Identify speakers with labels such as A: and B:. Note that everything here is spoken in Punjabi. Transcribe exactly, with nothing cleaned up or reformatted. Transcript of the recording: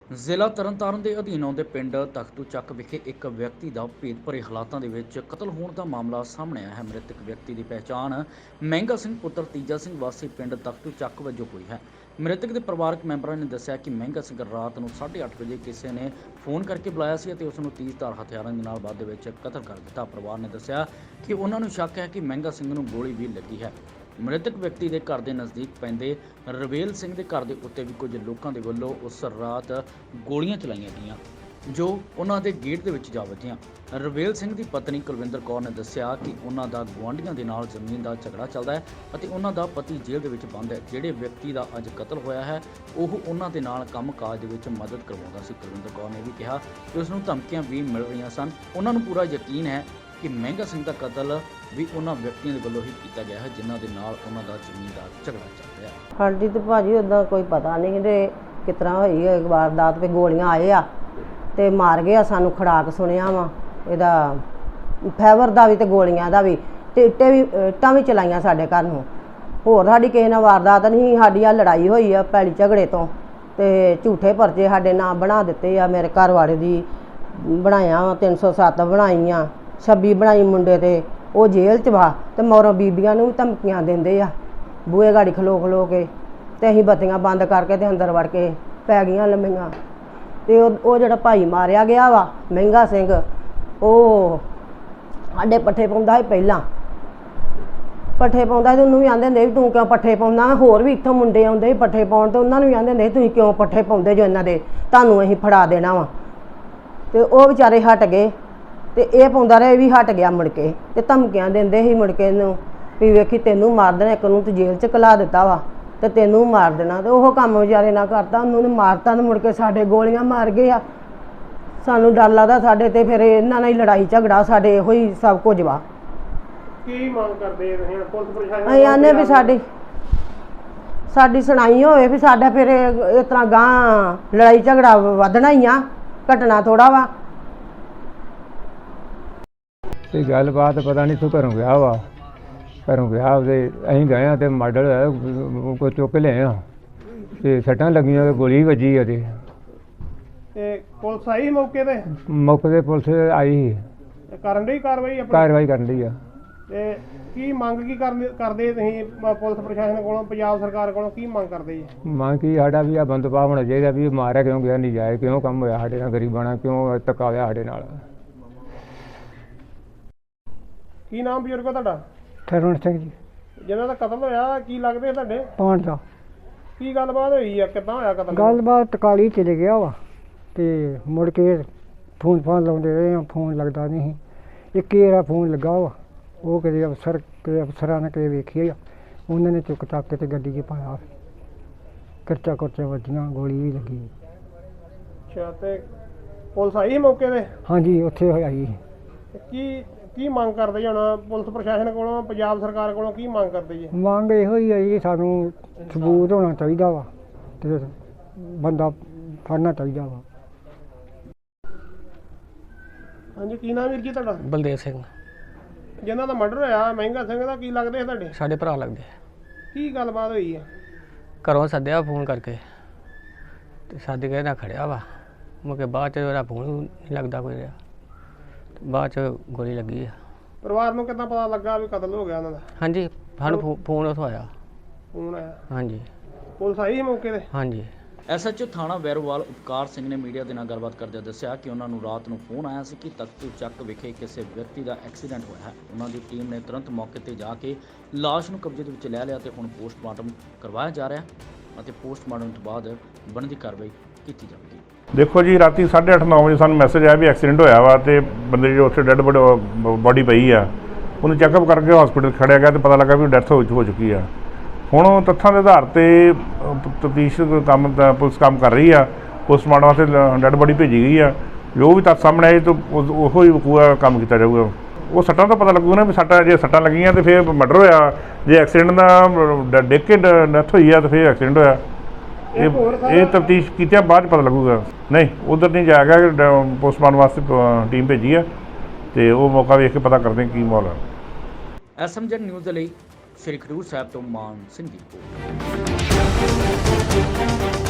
A: ਜ਼ਿਲ੍ਹਾ ਤਰਨਤਾਰਨ ਦੇ ਅਧੀਨ ਆਉਂਦੇ ਪਿੰਡ ਤਖਤੂ ਚੱਕ ਵਿਖੇ ਇੱਕ ਵਿਅਕਤੀ ਦਾ ਭੇਦ ਭਰੇ ਹਾਲਾਤਾਂ ਦੇ ਵਿੱਚ ਕਤਲ ਹੋਣ ਦਾ ਮਾਮਲਾ ਸਾਹਮਣੇ ਆਇਆ ਹੈ। ਮ੍ਰਿਤਕ ਵਿਅਕਤੀ ਦੀ ਪਹਿਚਾਣ ਮਹਿੰਗਾ ਸਿੰਘ ਪੁੱਤਰ ਤੀਜਾ ਸਿੰਘ ਵਾਸੀ ਪਿੰਡ ਤਖਤੂ ਚੱਕ ਵਜੋਂ ਹੋਈ ਹੈ। ਮ੍ਰਿਤਕ ਦੇ ਪਰਿਵਾਰਕ ਮੈਂਬਰਾਂ ਨੇ ਦੱਸਿਆ ਕਿ ਮਹਿੰਗਾ ਸਿੰਘ ਰਾਤ ਨੂੰ ਸਾਢੇ ਅੱਠ ਵਜੇ ਕਿਸੇ ਨੇ ਫੋਨ ਕਰਕੇ ਬੁਲਾਇਆ ਸੀ ਅਤੇ ਉਸ ਨੂੰ ਤੇਜ਼ਧਾਰ ਹਥਿਆਰਾਂ ਦੇ ਨਾਲ ਬਾਅਦ ਦੇ ਵਿੱਚ ਕਤਲ ਕਰ ਦਿੱਤਾ। ਪਰਿਵਾਰ ਨੇ ਦੱਸਿਆ ਕਿ ਉਹਨਾਂ ਨੂੰ ਸ਼ੱਕ ਹੈ ਕਿ ਮਹਿੰਗਾ ਸਿੰਘ ਨੂੰ ਗੋਲੀ ਵੀ ਲੱਗੀ ਹੈ। ਮ੍ਰਿਤਕ ਵਿਅਕਤੀ ਦੇ ਘਰ ਦੇ ਨਜ਼ਦੀਕ ਪੈਂਦੇ ਰਵੇਲ ਸਿੰਘ ਦੇ ਘਰ ਦੇ ਉੱਤੇ ਵੀ ਕੁਝ ਲੋਕਾਂ ਦੇ ਵੱਲੋਂ ਉਸ ਰਾਤ ਗੋਲੀਆਂ ਚਲਾਈਆਂ ਗਈਆਂ ਜੋ ਉਹਨਾਂ ਦੇ ਗੇਟ ਦੇ ਵਿੱਚ ਜਾ ਵੱਜੀਆਂ। ਰਵੇਲ ਸਿੰਘ ਦੀ ਪਤਨੀ ਕੁਲਵਿੰਦਰ ਕੌਰ ਨੇ ਦੱਸਿਆ ਕਿ ਉਹਨਾਂ ਦਾ ਗੁਆਂਢੀਆਂ ਦੇ ਨਾਲ ਜ਼ਮੀਨ ਦਾ ਝਗੜਾ ਚੱਲਦਾ ਹੈ ਅਤੇ ਉਹਨਾਂ ਦਾ ਪਤੀ ਜੇਲ੍ਹ ਦੇ ਵਿੱਚ ਬੰਦ ਹੈ। ਜਿਹੜੇ ਵਿਅਕਤੀ ਦਾ ਅੱਜ ਕਤਲ ਹੋਇਆ ਹੈ ਉਹ ਉਹਨਾਂ ਦੇ ਨਾਲ ਕੰਮਕਾਜ ਦੇ ਵਿੱਚ ਮਦਦ ਕਰਵਾਉਂਦਾ ਸੀ। ਕੁਲਵਿੰਦਰ ਕੌਰ ਨੇ ਵੀ ਕਿਹਾ ਕਿ ਉਸ ਨੂੰ ਧਮਕੀਆਂ ਵੀ ਮਿਲ ਰਹੀਆਂ ਸਨ। ਉਹਨਾਂ ਨੂੰ ਪੂਰਾ ਯਕੀਨ ਹੈ ਕਿ ਮਹਿੰਗਾ ਸਿੰਘ ਦਾ ਕਤਲ ਵੀ ਉਹਨਾਂ ਵਿਅਕਤੀਆਂ ਦੇ ਵੱਲੋਂ ਹੀ ਕੀਤਾ ਗਿਆ ਹੈ ਜਿਨ੍ਹਾਂ ਦੇ ਨਾਲ ਉਹਨਾਂ ਦਾ ਜ਼ਮੀਨ ਦਾ ਝਗੜਾ ਚੱਲ ਰਿਹਾ ਹੈ।
B: ਹਾਂਜੀ ਤੇ ਭਾਜੀ ਉੱਦਾਂ ਕੋਈ ਪਤਾ ਨਹੀਂ ਕਿ ਕਿਸ ਤਰ੍ਹਾਂ ਹੋਈ ਹੈ ਵਾਰਦਾਤ ਤੇ ਗੋਲੀਆਂ ਆਏ ਆ ਤੇ ਮਾਰ ਗਏ ਆ। ਸਾਨੂੰ ਖੜਾਕ ਸੁਣਿਆ ਵਾ ਇਹਦਾ ਫੈਵਰ ਦਾ ਵੀ ਤੇ ਗੋਲੀਆਂ ਦਾ ਵੀ ਤੇ ਇੱਟੇ ਵੀ ਇੱਟਾਂ ਵੀ ਚਲਾਈਆਂ ਸਾਡੇ ਘਰ ਨੂੰ। ਹੋਰ ਸਾਡੀ ਕਿਸੇ ਨਾਲ ਵਾਰਦਾਤ ਨਹੀਂ, ਸਾਡੀ ਆ ਲੜਾਈ ਹੋਈ ਆ ਪੈਲੀ ਝਗੜੇ ਤੋਂ ਤੇ ਝੂਠੇ ਪਰਚੇ ਸਾਡੇ ਨਾਂ ਬਣਾ ਦਿੱਤੇ ਆ। ਮੇਰੇ ਘਰ ਵਾਲੇ ਦੀ ਬਣਾਇਆ ਤਿੰਨ ਸੌ ਸੱਤ ਬਣਾਈਆਂ, ਛੱਬੀ ਬਣਾਈ ਮੁੰਡੇ ਤੇ ਉਹ ਜੇਲ੍ਹ 'ਚ ਵਾ ਤੇ ਮੌਰੋਂ ਬੀਬੀਆਂ ਨੂੰ ਵੀ ਧਮਕੀਆਂ ਦਿੰਦੇ ਆ ਬੂਹੇ ਗਾੜੀ ਖਲੋ ਖਲੋ ਕੇ ਤੇ ਅਸੀਂ ਬੱਤੀਆਂ ਬੰਦ ਕਰਕੇ ਤੇ ਅੰਦਰ ਵੜ ਕੇ ਪੈ ਗਈਆਂ ਲੰਮੀਆਂ। ਤੇ ਉਹ ਉਹ ਜਿਹੜਾ ਭਾਈ ਮਾਰਿਆ ਗਿਆ ਵਾ ਮਹਿੰਗਾ ਸਿੰਘ ਉਹ ਸਾਡੇ ਪੱਠੇ ਪਾਉਂਦਾ ਸੀ ਪਹਿਲਾਂ ਪੱਠੇ ਪਾਉਂਦਾ ਤੇ ਉਹਨੂੰ ਵੀ ਆਂਦੇ ਹੁੰਦੇ ਵੀ ਤੂੰ ਕਿਉਂ ਪੱਠੇ ਪਾਉਂਦਾ। ਹੋਰ ਵੀ ਇੱਥੋਂ ਮੁੰਡੇ ਆਉਂਦੇ ਸੀ ਪੱਠੇ ਪਾਉਣ ਤੇ ਉਹਨਾਂ ਨੂੰ ਵੀ ਆਂਦੇ ਹੁੰਦੇ ਤੁਸੀਂ ਕਿਉਂ ਪੱਠੇ ਪਾਉਂਦੇ ਜੋ ਇਹਨਾਂ ਦੇ, ਤੁਹਾਨੂੰ ਅਸੀਂ ਫੜਾ ਦੇਣਾ ਵਾ। ਤੇ ਉਹ ਵਿਚਾਰੇ ਹਟ ਗਏ ਤੇ ਇਹ ਪਾਉਂਦਾ ਰਿਹਾ, ਇਹ ਵੀ ਹਟ ਗਿਆ ਮੁੜ ਕੇ ਤੇ ਧਮਕੀਆਂ ਦਿੰਦੇ ਸੀ ਮੁੜ ਕੇ ਇਹਨੂੰ ਵੀ ਵੇਖੀ ਤੈਨੂੰ ਮਾਰ ਦੇਣਾ, ਇੱਕ ਨੂੰ ਤੂੰ ਜੇਲ੍ਹ 'ਚ ਘਲਾ ਦਿੱਤਾ ਵਾ ਤੇ ਤੈਨੂੰ ਮਾਰ ਦੇਣਾ। ਤੇ ਉਹ ਕੰਮ ਵਿਚਾਰੇ ਨਾ ਕਰਤਾ, ਉਹਨੂੰ ਨੇ ਮਾਰਤਾ ਤੇ ਮੁੜ ਕੇ ਸਾਡੇ ਗੋਲੀਆਂ ਮਾਰ ਗਏ ਆ। ਸਾਨੂੰ ਡਰ ਲੱਗਦਾ ਸਾਡੇ ਤੇ ਫਿਰ ਇਹਨਾਂ ਨਾਲ ਹੀ ਲੜਾਈ ਝਗੜਾ ਸਾਡੇ ਇਹੋ ਹੀ ਸਭ ਕੁਝ ਵਾ।
C: ਕੀ ਮੰਗ ਕਰਦੇ ਤੁਸੀਂ ਪੁਲਿਸ ਪ੍ਰਸ਼ਾਸਨ?
B: ਅਸੀਂ ਆਨੇ ਵੀ ਸਾਡੀ ਸਾਡੀ ਸੁਣਾਈ ਹੋਵੇ ਵੀ ਸਾਡਾ ਫਿਰ ਇਸ ਤਰ੍ਹਾਂ ਗਾਂ ਲੜਾਈ ਝਗੜਾ ਵਧਣਾ ਹੀ ਆ, ਘਟਣਾ ਥੋੜਾ ਵਾ।
D: ਤੇ ਗੱਲਬਾਤ ਪਤਾ ਨਹੀਂ ਤੂੰ ਘਰੋਂ ਗਿਆ ਵਾ ਘਰੋਂ ਗਿਆ ਤੇ ਅਸੀਂ ਗਏ ਹਾਂ ਤੇ ਮਾਡਲ ਕੋਈ ਚੁੱਕ ਲਿਆ ਆ ਤੇ ਸੱਟਾਂ ਲੱਗੀਆਂ ਤੇ ਗੋਲੀ ਵੱਜੀ ਆ ਤੇ
C: ਤੇ ਪੁਲਿਸ ਆਈ ਮੌਕੇ ਤੇ?
D: ਮੌਕੇ ਤੇ ਪੁਲਿਸ ਆਈ ਸੀ,
C: ਕਰਨ ਦੀ ਕਾਰਵਾਈ ਆਪਣੀ
D: ਕਾਰਵਾਈ ਕਰਨ ਲਈ ਆ।
C: ਤੇ ਕੀ ਮੰਗ ਕੀ ਕਰਦੇ ਕਰਦੇ ਤੁਸੀਂ ਪੁਲਿਸ ਪ੍ਰਸ਼ਾਸਨ ਕੋਲੋਂ, ਪੰਜਾਬ ਸਰਕਾਰ ਕੋਲੋਂ ਕੀ ਮੰਗ ਕਰਦੇ ਜੀ?
D: ਮੰਗ ਕੀ ਸਾਡਾ ਵੀ ਆ ਬੰਦੋਬਸਤ ਹੋਣਾ ਚਾਹੀਦਾ ਵੀ ਮਾਰਿਆ ਕਿਉਂ ਗਿਆ, ਨਹੀਂ ਜਾਏ ਕਿਉਂ ਕੰਮ ਹੋਇਆ ਸਾਡੇ ਨਾਲ, ਗਰੀਬਾਂ ਕਿਉਂ ਧੱਕਾ ਹੋਇਆ ਸਾਡੇ ਨਾਲ।
C: ਕੀ ਨਾਮ ਬਜ਼ੁਰਗੋ ਤੁਹਾਡਾ?
E: ਠਰਵਣ ਸਿੰਘ ਜੀ।
C: ਜਿਹਨਾਂ ਦਾ ਕਤਲ ਹੋਇਆ ਕੀ ਲੱਗਦੇ ਤੁਹਾਡੇ?
E: ਪਾਣ ਦਾ।
C: ਕੀ ਗੱਲਬਾਤ ਹੋਈ ਆ, ਕਿੱਦਾਂ ਹੋਇਆ ਕਤਲ?
E: ਗੱਲਬਾਤ ਟਕਾਲੀ ਚਲੇ ਗਿਆ ਵਾ ਤੇ ਮੁੜ ਕੇ ਫੋਨ ਫਾਨ ਲਾਉਂਦੇ ਰਹੇ ਆ, ਫੋਨ ਲੱਗਦਾ ਨਹੀਂ ਸੀ। ਇੱਕ ਇਹਦਾ ਫੋਨ ਲੱਗਾ ਵਾ, ਉਹ ਕਿਤੇ ਅਫਸਰ ਕਿਤੇ ਅਫਸਰਾਂ ਨੇ ਕਿਤੇ ਵੇਖੀ ਆ, ਉਹਨਾਂ ਨੇ ਚੁੱਕ ਚੱਕ ਕੇ ਤੇ ਗੱਡੀ 'ਚ ਪਾਇਆ। ਕਰਚਾ ਕਰਚਾ ਵੱਜੀਆਂ, ਗੋਲੀ ਵੀ ਲੱਗੀ।
C: ਅੱਛਾ ਤੇ ਪੁਲਿਸ ਆਈ ਮੌਕੇ ਤੇ?
E: ਹਾਂਜੀ ਉੱਥੇ ਹੋਇਆ ਜੀ।
C: ਕੀ ਕੀ ਮੰਗ ਕਰਦੇ ਜੀ ਹੁਣ ਪੁਲਿਸ ਪ੍ਰਸ਼ਾਸਨ ਕੋਲੋਂ, ਪੰਜਾਬ ਸਰਕਾਰ ਕੋਲੋਂ ਕੀ ਮੰਗ ਕਰਦੇ ਜੀ?
E: ਮੰਗ ਇਹੋ ਹੀ ਹੈ ਜੀ ਸਾਨੂੰ ਸਬੂਤ ਹੋਣਾ ਚਾਹੀਦਾ ਵਾ ਤੇ ਬੰਦਾ ਫੜਨਾ ਚਾਹੀਦਾ ਵਾ।
C: ਹਾਂਜੀ ਕੀ ਨਾਮ ਵੀਰ ਜੀ ਤੁਹਾਡਾ?
F: ਬਲਦੇਵ ਸਿੰਘ।
C: ਜਿਹਨਾਂ ਦਾ ਮਰਡਰ ਹੋਇਆ ਮਹਿੰਗਾ ਸਿੰਘ ਦਾ ਕੀ ਲੱਗਦੇ ਤੁਹਾਡੇ?
F: ਸਾਡੇ ਭਰਾ ਲੱਗਦੇ।
C: ਕੀ ਗੱਲਬਾਤ ਹੋਈ ਆ?
F: ਘਰੋਂ ਸੱਦਿਆ ਫੋਨ ਕਰਕੇ ਤੇ ਸੱਦ ਕੇ ਨਾ ਖੜਿਆ ਵਾ, ਮੁੜ ਬਾਅਦ 'ਚ ਉਹਦਾ ਫੋਨ ਨਹੀਂ ਲੱਗਦਾ ਕੋਈ ਰਿਹਾ, ਬਾਅਦ 'ਚ ਗੋਲੀ ਲੱਗੀ ਆ।
C: ਪਰਿਵਾਰ ਨੂੰ ਕਿੱਦਾਂ ਪਤਾ ਲੱਗਾ ਵੀ ਕਤਲ ਹੋ ਗਿਆ ਉਹਨਾਂ ਦਾ?
F: ਹਾਂਜੀ ਸਾਨੂੰ ਫੋਨ ਉੱਥੋਂ ਆਇਆ।
C: ਫੋਨ ਆਇਆ?
F: ਹਾਂਜੀ।
C: ਪੁਲਿਸ ਆਈ ਮੌਕੇ ਤੇ?
F: ਹਾਂਜੀ।
A: ਐਸ ਐਚ ਓ ਥਾਣਾ ਵੈਰੋਵਾਲ ਉਪਕਾਰ ਸਿੰਘ ਨੇ ਮੀਡੀਆ ਦੇ ਨਾਲ ਗੱਲਬਾਤ ਕਰਦਿਆਂ ਦੱਸਿਆ ਕਿ ਉਹਨਾਂ ਨੂੰ ਰਾਤ ਨੂੰ ਫੋਨ ਆਇਆ ਸੀ ਕਿ ਤਖਤੂ ਚੱਕ ਵਿਖੇ ਕਿਸੇ ਵਿਅਕਤੀ ਦਾ ਐਕਸੀਡੈਂਟ ਹੋਇਆ ਹੈ। ਉਹਨਾਂ ਦੀ ਟੀਮ ਨੇ ਤੁਰੰਤ ਮੌਕੇ ਤੇ ਜਾ ਕੇ ਲਾਸ਼ ਨੂੰ ਕਬਜ਼ੇ ਦੇ ਵਿੱਚ ਲੈ ਲਿਆ ਤੇ ਹੁਣ ਪੋਸਟਮਾਰਟਮ ਕਰਵਾਇਆ ਜਾ ਰਿਹਾ ਅਤੇ ਪੋਸਟਮਾਰਟਮ ਤੋਂ ਬਾਅਦ ਬਣਦੀ ਕਾਰਵਾਈ ਕੀਤੀ ਜਾਵੇਗੀ।
G: ਦੇਖੋ ਜੀ, ਰਾਤੀ ਸਾਢੇ ਅੱਠ ਨੌ ਵਜੇ ਸਾਨੂੰ ਮੈਸੇਜ ਆਇਆ ਵੀ ਐਕਸੀਡੈਂਟ ਹੋਇਆ ਵਾ ਤੇ ਬੰਦੇ ਜੋ ਉੱਥੇ ਡੈੱਡ ਬੋਡੀ ਪਈ ਆ, ਉਹਨੂੰ ਚੈੱਕਅਪ ਕਰਕੇ ਹਸਪੀਟਲ ਖੜਿਆ ਗਿਆ ਤੇ ਪਤਾ ਲੱਗਾ ਵੀ ਡੈਥ ਹੋ ਹੋ ਚੁੱਕੀ ਆ। ਹੁਣ ਤੱਥਾਂ ਦੇ ਆਧਾਰ ਤੇ ਤਫਤੀਸ਼ ਕੰਮ ਦਾ ਪੁਲਿਸ ਕੰਮ ਕਰ ਰਹੀ ਆ। ਪੋਸਟਮਾਰਟਮ ਵਾਸਤੇ ਡੈੱਡ ਬੋਡੀ ਭੇਜੀ ਗਈ ਆ। ਜੋ ਵੀ ਤੱਥ ਸਾਹਮਣੇ ਆਏ ਤਾਂ ਉਹੋ ਹੀ ਪੂਰਾ ਕੰਮ ਕੀਤਾ ਜਾਊਗਾ। ਉਹ ਸੱਟਾਂ ਤੋਂ ਪਤਾ ਲੱਗੂਗਾ ਨਾ ਵੀ ਸੱਟਾਂ ਜੇ ਸੱਟਾਂ ਲੱਗੀਆਂ ਤੇ ਫਿਰ ਮਰਡਰ ਹੋਇਆ, ਜੇ ਐਕਸੀਡੈਂਟ ਦਾ ਡਿੱਗ ਕੇ ਡੈਥ ਹੋਈ ਆ ਤਾਂ ਫਿਰ ਐਕਸੀਡੈਂਟ ਹੋਇਆ। ਇਹ ਇਹ ਤਫਤੀਸ਼ ਕੀਤਿਆਂ ਬਾਅਦ ਪਤਾ ਲੱਗੂਗਾ। ਨਹੀਂ ਉਧਰ ਨਹੀਂ ਜਾਏਗਾ, ਪੋਸਟਮਾਰਟਮ ਵਾਸਤੇ ਟੀਮ ਭੇਜੀ ਆ ਤੇ ਉਹ ਮੌਕਾ ਵੇਖ ਕੇ ਪਤਾ ਕਰਦੇ ਕੀ ਮਾਹੌਲ ਹੈ।
A: ਐਸ ਐਮ ਜ਼ੈਡ ਨਿਊਜ਼ ਦੇ ਲਈ ਸ਼੍ਰੀ ਖਡੂਰ ਸਾਹਿਬ ਤੋਂ ਮਾਨ ਸਿੰਘ ਦੀ ਰਿਪੋਰਟ।